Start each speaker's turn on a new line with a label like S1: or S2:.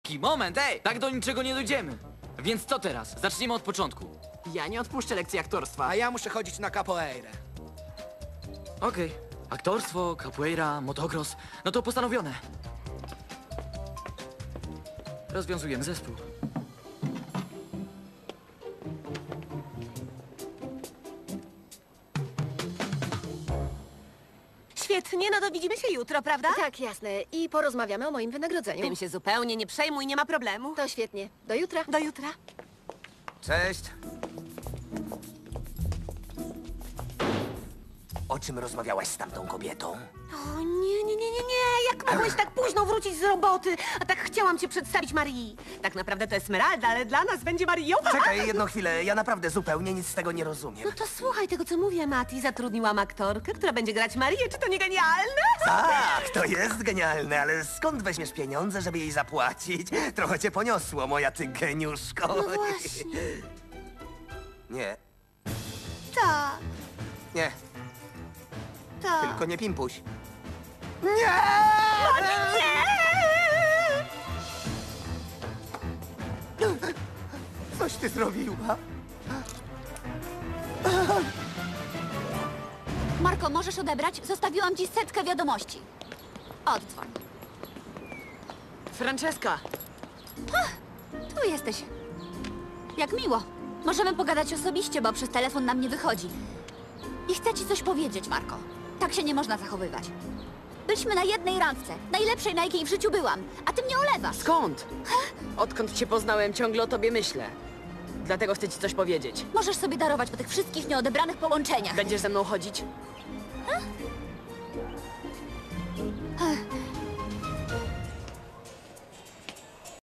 S1: Moment, ej! Tak do niczego nie dojdziemy. Więc co teraz? Zacznijmy od początku.
S2: Ja nie odpuszczę lekcji aktorstwa.
S3: A ja muszę chodzić na capoeirę.
S1: Okej. Aktorstwo, capoeira, motocross. No to postanowione. Rozwiązujemy zespół.
S4: Świetnie, no to widzimy się jutro, prawda?
S5: Tak, jasne. I porozmawiamy o moim wynagrodzeniu.
S4: Tym się zupełnie nie przejmuj, nie ma problemu.
S5: To świetnie. Do jutra.
S4: Do jutra.
S6: Cześć. O czym rozmawiałaś z tamtą kobietą?
S4: O nie, jak mogłeś tak późno wrócić z roboty? A tak chciałam cię przedstawić Marii. Tak naprawdę to Esmeralda, ale dla nas będzie Marią.
S6: Czekaj jedną chwilę, ja naprawdę zupełnie nic z tego nie rozumiem.
S4: No to słuchaj tego, co mówię, Mati. Zatrudniłam aktorkę, która będzie grać Marię. Czy to nie genialne?
S6: Tak, to jest genialne, ale skąd weźmiesz pieniądze, żeby jej zapłacić? Trochę cię poniosło, moja ty geniuszko.
S4: No właśnie.
S6: Nie,
S4: Tak,
S6: nie,
S4: tak.
S6: tylko nie pimpuś.
S4: Nie!
S6: Coś ty zrobiła?
S7: Marko, możesz odebrać? Zostawiłam ci setkę wiadomości. Oddzwoń.
S2: Franceska!
S7: Tu jesteś. Jak miło. Możemy pogadać osobiście, bo przez telefon nam nie wychodzi. I chcę ci coś powiedzieć, Marko. Tak się nie można zachowywać. Byliśmy na jednej randce, najlepszej, na jakiej w życiu byłam, a ty mnie olewasz.
S2: Skąd? Odkąd cię poznałem, ciągle o tobie myślę. Dlatego chcę ci coś powiedzieć.
S7: Możesz sobie darować po tych wszystkich nieodebranych połączeniach.
S2: Będziesz ze mną chodzić?